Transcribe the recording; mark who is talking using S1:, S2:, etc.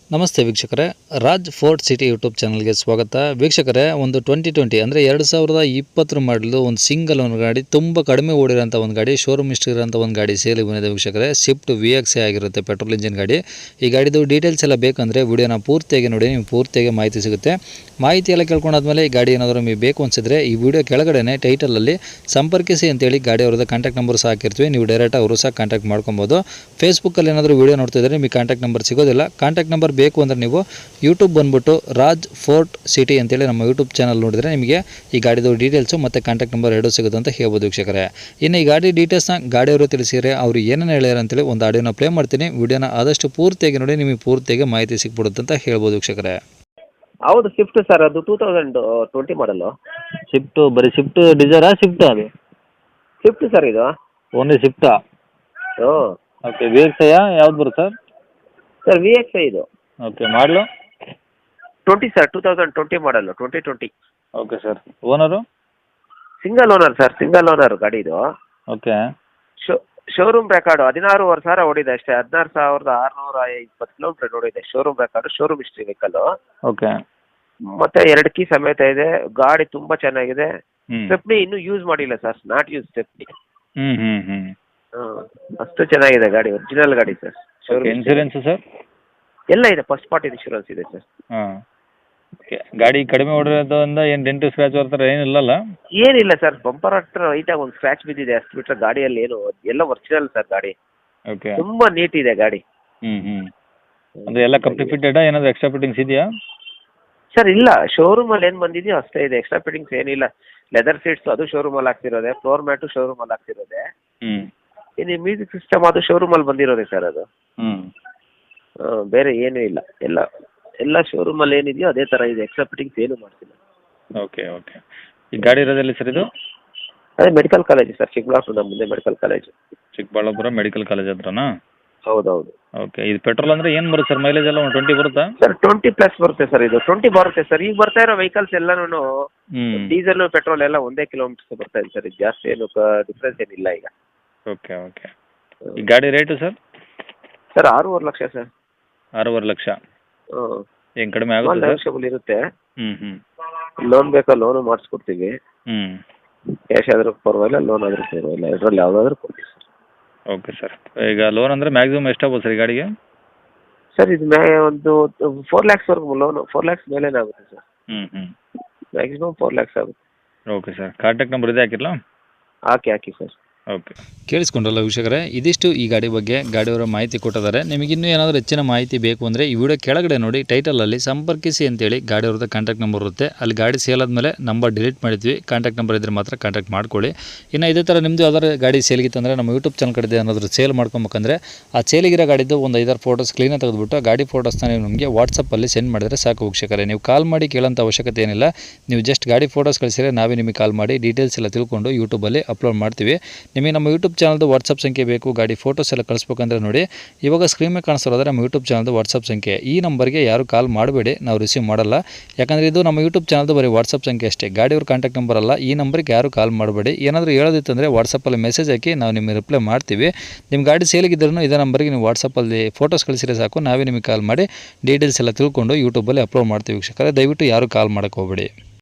S1: ನಮಸ್ತೆ ವೀಕ್ಷಕರೇ, Raj fort city YouTube ಚಾನಲ್ಗೆ ಸ್ವಾಗತ. ವೀಕ್ಷಕರೇ, ಒಂದು 2020 ಅಂದರೆ 2020 ಮಾಡಲು ಒಂದು ಸಿಂಗಲ್ ಒಂದು ಗಾಡಿ ತುಂಬ ಕಡಿಮೆ ಓಡಿರೋಂಥ ಒಂದು ಗಾಡಿ, ಶೋರೂಮ್ ಹಿಸ್ಟ್ರಿ ಇರೋಂಥ ಒಂದು ಗಾಡಿ ಸೇಲಿಗೆ ಬಂದಿದೆ ವೀಕ್ಷಕರೇ. ಸ್ವಿಫ್ಟ್ VX ಆಗಿರುತ್ತೆ, ಪೆಟ್ರೋಲ್ ಇಂಜಿನ್ ಗಾಡಿ. ಈ ಗಾಡಿದು ಡೀಟೇಲ್ಸ್ ಎಲ್ಲ ಬೇಕಂದರೆ ವಿಡಿಯೋನ ಪೂರ್ತಿಯಾಗಿ ನೋಡಿ, ನಿಮ್ಗೆ ಪೂರ್ತಿಯಾಗಿ ಮಾಹಿತಿ ಸಿಗುತ್ತೆ. ಮಾಹಿತಿ ಎಲ್ಲ ಕೇಳ್ಕೊಂಡಾದ್ಮೇಲೆ ಈ ಗಾಡಿ ಏನಾದರೂ ನಿಮಗೆ ಬೇಕು ಅನಿಸಿದ್ರೆ ಈ ವಿಡಿಯೋ ಕೆಳಗಡೆ ಟೈಟಲಲ್ಲಿ ಸಂಪರ್ಕಿಸಿ ಅಂತೇಳಿ ಗಾಡಿ ಅವ್ರದ್ದು ಕಾಂಟ್ಯಾಕ್ಟ್ ನಂಬರ್ ಸಹ ಹಾಕಿರ್ತೀವಿ. ನೀವು ಡೈರೆಕ್ಟ್ ಅವರು ಸಹ ಕಾಂಟ್ಯಾಕ್ಟ್ ಮಾಡ್ಕೊಬೋದು. ಫೇಸ್ಬುಕ್ಕಲ್ಲಿ ಏನಾದರೂ ವಿಡಿಯೋ ನೋಡ್ತಿದ್ರೆ ನಿಮಗೆ ಕಾಂಟ್ಯಾಕ್ಟ್ ನಂಬರ್ ಸಿಗೋದಿಲ್ಲ. ಕಾಂಟ್ಯಾಕ್ಟ್ ನಂಬರ್ ಬೇಕು ಅಂದರೆ ನೀವು ಯೂಟ್ಯೂಬ್ ಬಂದುಬಿಟ್ಟು ರಾಜ್ ಫೋರ್ಟ್ ಸಿಟಿ ಅಂತೇಳಿ ನಮ್ಮ ಯೂಟ್ಯೂಬ್ ಚಾನಲ್ ನೋಡಿದರೆ ನಿಮಗೆ ಈ ಗಾಡಿದು ಡೀಟೇಲ್ಸು ಮತ್ತು ಕಾಂಟ್ಯಾಕ್ಟ್ ನಂಬರ್ ಎರಡೂ ಸಿಗುತ್ತೆ ಅಂತ ಹೇಳ್ಬೋದು ವೀಕ್ಷಕರೇ. ಇನ್ನು ಈ ಗಾಡಿ ಡೀಟೇಲ್ಸ್ನ ಗಾಡಿಯವರು ತಿಳಿಸಿದರೆ ಅವರು ಏನೇನು ಹೇಳ್ಯಾರ ಅಂತೇಳಿ ಒಂದು ಆಡಿಯೋನ ಪ್ಲೇ ಮಾಡ್ತೀನಿ. ವಿಡಿಯೋನ ಆದಷ್ಟು ಪೂರ್ತಿಯಾಗಿ ನೋಡಿ, ನಿಮಗೆ ಪೂರ್ತಿಯಾಗಿ ಮಾಹಿತಿ ಸಿಕ್ಬಿಡುತ್ತೆ ಅಂತ ಹೇಳ್ಬೋದು ವೀಕ್ಷಕರೇ.
S2: ಹೌದು, ಸ್ವಿಫ್ಟ್ ಸರ್, ಅದು 2020 ಮಾಡಲು.
S1: ಸ್ವಿಫ್ಟ್ ಡಿಸೈರಾ ಸ್ವಿಫ್ಟ್ ಅದು
S2: ಸ್ವಿಫ್ಟ್ ಸರ್ ಇದು.
S1: ಓನ್ಲಿ ಸ್ವಿಫ್ಟಾ?
S2: ಹ್ಞೂ
S1: ಓಕೆ. VX ಯಾವ್ದು ಬರುತ್ತೆ ಸರ್?
S2: ಸರ್ VX ಇದು.
S1: Okay. Model
S2: 20 sir, 2020 model, 2020.
S1: Okay sir. Owner?
S2: Single owner sir, single owner ಗಾಡಿ ಇದು.
S1: ಓಕೆ.
S2: ಶೋರೂಮ್ ರೆಕಾರ್ಡು 16,500 ಓಡಿದೆ ಅಷ್ಟೇ. 16,620 ಕಿಲೋಮೀಟರ್ ಓಡಿದೆ. Showroom record, showroom history vehicle.
S1: Okay.
S2: ಮತ್ತೆ 2 ಕೀ ಸಮೇತ ಇದೆ. ಗಾಡಿ ತುಂಬ ಚೆನ್ನಾಗಿದೆ. ಸ್ಟೆಪ್ನಿ ಇನ್ನೂ ಯೂಸ್ ಮಾಡಿಲ್ಲ ಸರ್, ನಾಟ್ ಯೂಸ್ ಸ್ಟೆಪ್ನಿ. ಅಷ್ಟು ಚೆನ್ನಾಗಿದೆ ಗಾಡಿ, ಒರಿಜಿನಲ್ ಗಾಡಿ ಸರ್. ಶೋರೂಮ್
S1: ಇನ್ಸೂರೆನ್ಸ್ ಸರ್
S2: ಎಲ್ಲ ಇದೆ, ಫಸ್ಟ್ ಪಾರ್ಟಿ ಇನ್ಶೂರೆನ್ಸ್ ಇದೆ ಸರ್.
S1: ಹಾಂ. ಓಕೆ. ಗಾಡಿ ಕಡಿಮೆ ಓಡಿರೋದ್ರಿಂದ ಏನು ಡೆಂಟು ಸ್ಕ್ರ್ಯಾಚ್ ಬರ್ತಾರೆ ಏನಿಲ್ಲಲ್ಲ?
S2: ಏನಿಲ್ಲ ಸರ್, ಬಂಪರ್ ಹತ್ರ ಲೈಟಾಗಿ ಒಂದು ಸ್ಕ್ರಾಚ್ ಬಿದ್ದಿದೆ, ಅಷ್ಟು ಬಿಟ್ಟರೆ ಗಾಡಿಯಲ್ಲಿ ಏನು ಎಲ್ಲ ಒರಿಜಿನಲ್ ಸರ್. ಗಾಡಿ
S1: ಓಕೆ.
S2: ತುಂಬಾ ನೀಟ್ ಇದೆ ಗಾಡಿ.
S1: ಅಂದರೆ ಎಲ್ಲ ಕಂಪ್ಲೀಟ್ ಫಿಟ್ಟೆಡಾ? ಏನಾದರೂ ಎಕ್ಸ್ಟ್ರಾ ಫಿಟ್ಟಿಂಗ್ಸ್ ಇದೆಯಾ
S2: ಸರ್? ಇಲ್ಲ, ಶೋರೂಮಲ್ಲಿ ಏನು ಬಂದಿದೆಯೋ ಅಷ್ಟೇ ಇದೆ, ಎಕ್ಸ್ಟ್ರಾ ಫಿಟ್ಟಿಂಗ್ಸ್ ಏನಿಲ್ಲ. ಲೆದರ್ ಸೀಟ್ಸ್ ಅದು ಶೋರೂಮಲ್ಲಿ ಹಾಕ್ತಿರೋದೆ, ಫ್ಲೋರ್ ಮ್ಯಾಟು ಶೋರೂಮಲ್ಲಿ ಹಾಕ್ತಿರೋದೆ. ಇನ್ನು ಮ್ಯೂಸಿಕ್ ಸಿಸ್ಟಮ್ ಅದು ಶೋರೂಮಲ್ಲಿ ಬಂದಿರೋದೆ ಸರ್ ಅದು. ಬೇರೆ ಏನೂ ಇಲ್ಲ, ಎಲ್ಲ ಶೋರೂಮಲ್ಲಿ ಏನಿದೆಯೋ ಅದೇ ಥರ ಇದೆ, ಎಕ್ಸ್ಟ್ರಾ ಫಿಟ್ಟಿಂಗ್ಸ್ ಏನೂ ಮಾಡ್ತಿಲ್ಲ.
S1: ಓಕೆ. ಓಕೆ. ಈ ಗಾಡಿ ಇರೋದೆಲ್ಲಿ ಸರ್ ಇದು?
S2: ಅದೇ ಮೆಡಿಕಲ್ ಕಾಲೇಜು ಸರ್, ಚಿಕ್ಕಬಳ್ಳಾಪುರದ ಮುಂದೆ medical college.
S1: Chikkaballapur medical college ಹತ್ರನಾ?
S2: ಹೌದೌದು.
S1: ಓಕೆ. ಇದು ಪೆಟ್ರೋಲ್ ಅಂದರೆ ಏನು ಬರುತ್ತೆ ಸರ್? ಮೈಲೇಜ್ ಎಲ್ಲ ಒಂದು 20 ಬರುತ್ತಾ
S2: ಸರ್? 20+ ಬರುತ್ತೆ ಸರ್, ಇದು 20 ಬರುತ್ತೆ ಸರ್. ಈಗ ಬರ್ತಾ ಇರೋ ವೆಹಿಕಲ್ಸ್ ಎಲ್ಲನೂ ಡೀಸೆಲ್ ಪೆಟ್ರೋಲ್ ಎಲ್ಲ ಒಂದೇ ಕಿಲೋಮೀಟರ್ಸ್ ಬರ್ತಾ ಇದೆ ಸರ್. ಇದು ಜಾಸ್ತಿ ಏನು ಡಿಫ್ರೆನ್ಸ್ ಏನಿಲ್ಲ ಈಗ.
S1: ಓಕೆ. ಓಕೆ. ಈ ಗಾಡಿ rate sir?
S2: Sir 6.5 lakh sir.
S1: 6.5 lakh.
S2: ಹ್ಞೂ.
S1: ಏನು ಕಡಿಮೆ ಆಗುತ್ತೆ ಸರ್?
S2: ನೆಗೋಷಿಯಬಲ್ ಇರುತ್ತೆ.
S1: ಹ್ಞೂ.
S2: ಲೋನ್ ಬೇಕಾ ಲೋನು ಮಾಡಿಸ್ಕೊಡ್ತೀವಿ. ಕ್ಯಾಶ್ ಆದರೂ ಪರವಾಗಿಲ್ಲ, ಲೋನ್ ಆದರೂ ಪರವಾಗಿಲ್ಲ, ಇದರಲ್ಲಿ ಯಾವುದಾದ್ರೂ ಕೊಡ್ತೀವಿ ಸರ್.
S1: Okay sir. ಈಗ ಲೋನ್ ಅಂದರೆ ಮ್ಯಾಕ್ಸಿಮಮ್ ಎಷ್ಟಾಗ್ಬೋದು ಸರ್ ಈ ಗಾಡಿಗೆ?
S2: ಸರ್ ಇದು ಒಂದು 4 ಲ್ಯಾಕ್ಸ್ವರೆಗೂ ಲೋನು, 4 ಲ್ಯಾಕ್ಸ್ ಮೇಲೇನೇ ಆಗುತ್ತೆ ಸರ್. ಮ್ಯಾಕ್ಸಿಮಮ್ 4 ಲ್ಯಾಕ್ಸ್ ಆಗುತ್ತೆ.
S1: Okay sir. ಕಾಂಟ್ಯಾಕ್ಟ್ ನಂಬರ್ ಇದೆ ಹಾಕಿರಲಾ?
S2: ಹಾಕಿ ಸರ್.
S1: ಓಕೆ. ಕೇಳಿಸ್ಕೊಂಡ್ರಲ್ಲ ವೀಕ್ಷಕರೇ, ಇದಿಷ್ಟು ಈ ಗಾಡಿ ಬಗ್ಗೆ ಗಾಡಿಯವರ ಮಾಹಿತಿ ಕೊಟ್ಟಿದ್ದಾರೆ. ನಿಮಗಿನ್ನೂ ಏನಾದರೂ ಹೆಚ್ಚಿನ ಮಾಹಿತಿ ಬೇಕು ಅಂದರೆ ಈ ವಿಡಿಯೋ ಕೆಳಗಡೆ ನೋಡಿ, ಟೈಟಲಲ್ಲಿ ಸಂಪರ್ಕಿಸಿ ಅಂತೇಳಿ ಗಾಡಿಯವ್ರದ್ದು ಕಾಂಟ್ಯಾಕ್ಟ್ ನಂಬರ್ ಇರುತ್ತೆ. ಅಲ್ಲಿ ಗಾಡಿ ಸೇಲ್ ಆದಮೇಲೆ ನಂಬರ್ ಡಿಲೀಟ್ ಮಾಡಿದ್ವಿ. ಕಾಂಟ್ಯಾಕ್ಟ್ ನಂಬರ್ ಇದ್ದರೆ ಮಾತ್ರ ಕಾಂಟ್ಯಾಕ್ಟ್ ಮಾಡ್ಕೊಳ್ಳಿ. ಇನ್ನು ಇದೇ ಥರ ನಿಮ್ಮದು ಯಾವ್ದಾದ್ರು ಗಾಡಿ ಸೇಲ್ಗಿತ್ತಂದರೆ ನಮ್ಮ ಯೂಟ್ಯೂಬ್ ಚಾನಲ್ ಕಡೆ ಏನಾದರೂ ಸೇಲ್ ಮಾಡ್ಕೊಬೇಕಂದ್ರೆ ಆ ಸೇಲಿಗಿರೋ ಗಾಡಿದ್ದು ಒಂದು 5-6 ಫೋಟೋಸ್ ಕ್ಲೀನಾಗಿ ತೆಗೆದುಬಿಟ್ಟು ಆ ಗಾಡಿ ಫೋಟೋಸ್ನ ನೀವು ನಮಗೆ ವಾಟ್ಸಪ್ಪಲ್ಲಿ ಸೆಂಡ್ ಮಾಡಿದರೆ ಸಾಕು ವೀಕ್ಷಕರೇ. ನೀವು ಕಾಲ್ ಮಾಡಿ ಕೇಳೋಂಥ ಅವಶ್ಯಕತೆ ಏನಿಲ್ಲ. ನೀವು ಜಸ್ಟ್ ಗಾಡಿ ಫೋಟೋಸ್ ಕಳಿಸಿದರೆ ನಾವೇ ನಿಮಗೆ ಕಾಲ್ ಮಾಡಿ ಡೀಟೇಲ್ಸ್ ಎಲ್ಲ ತಿಳ್ಕೊಂಡು ಯೂಟ್ಯೂಬಲ್ಲಿ ಅಪ್ಲೋಡ್ ಮಾಡ್ತೀವಿ. ನಿಮಗೆ ನಮ್ಮ ಯೂಟ್ಯೂಬ್ ಚಾನಲ್ದು ವಾಟ್ಸಪ್ ಸಂಖ್ಯೆ ಬೇಕು, ಗಾಡಿ ಫೋಟೋಸ್ ಎಲ್ಲ ಕಳಿಸ್ಬೇಕಂದ್ರೆ ನೋಡಿ, ಇವಾಗ ಸ್ಕ್ರೀನ್ ಮೇಲೆ ಕಾಣಿಸ್ತಿರೋದ್ರೆ ನಮ್ಮ ಯೂಟ್ಯೂಬ್ ಚಾನಲ್ದು ವಾಟ್ಸಪ್ ಸಂಖ್ಯೆ. ಈ ನಂಬರ್ಗೆ ಯಾರು ಕಾಲ್ ಮಾಡಬೇಡಿ, ನಾವು ರಿಸೀವ್ ಮಾಡಲ್ಲ. ಯಾಕಂದರೆ ಇದು ನಮ್ಮ ಯೂಟ್ಯೂಬ್ ಚಾನಲ್ದು ಬರೀ ವಾಟ್ಸಪ್ ಸಂಖ್ಯೆ ಅಷ್ಟೇ, ಗಾಡಿಯವ್ರ ಕಾಂಟ್ಯಾಕ್ಟ್ ನಂಬರ್ ಅಲ್ಲ. ಈ ನಂಬರ್ಗೆ ಯಾರು ಕಾಲ್ ಮಾಡಬೇಡಿ. ಏನಾದರೂ ಹೇಳೋದಿತ್ತಂದರೆ ವಾಟ್ಸಪ್ಪಲ್ಲಿ ಮೆಸೇಜ್ ಹಾಕಿ, ನಾವು ನಿಮಗೆ ರಿಪ್ಲೈ ಮಾಡ್ತೀವಿ. ನಿಮ್ಮ ಗಾಡಿ ಸೇಲಿಗಿದ್ರೂ ಇದೇ ನಂಬರ್ಗೆ ನೀವು ವಾಟ್ಸಪ್ಪಲ್ಲಿ ಫೋಟೋಸ್ ಕಳಿಸಿದ್ರೆ ಸಾಕು, ನಾವೇ ನಿಮಗೆ ಕಾಲ್ ಮಾಡಿ ಡೀಟೇಲ್ಸ್ ಎಲ್ಲ ತಿಳ್ಕೊಂಡು ಯೂಟ್ಯೂಬಲ್ಲಿ ಅಪ್ಲೋಡ್ ಮಾಡ್ತೀವಿ ವೀಕ್ಷಕರೇ. ದಯವಿಟ್ಟು ಯಾರು ಕಾಲ್ ಮಾಡೋಕ್ಕೆ ಹೋಗಬೇಡಿ.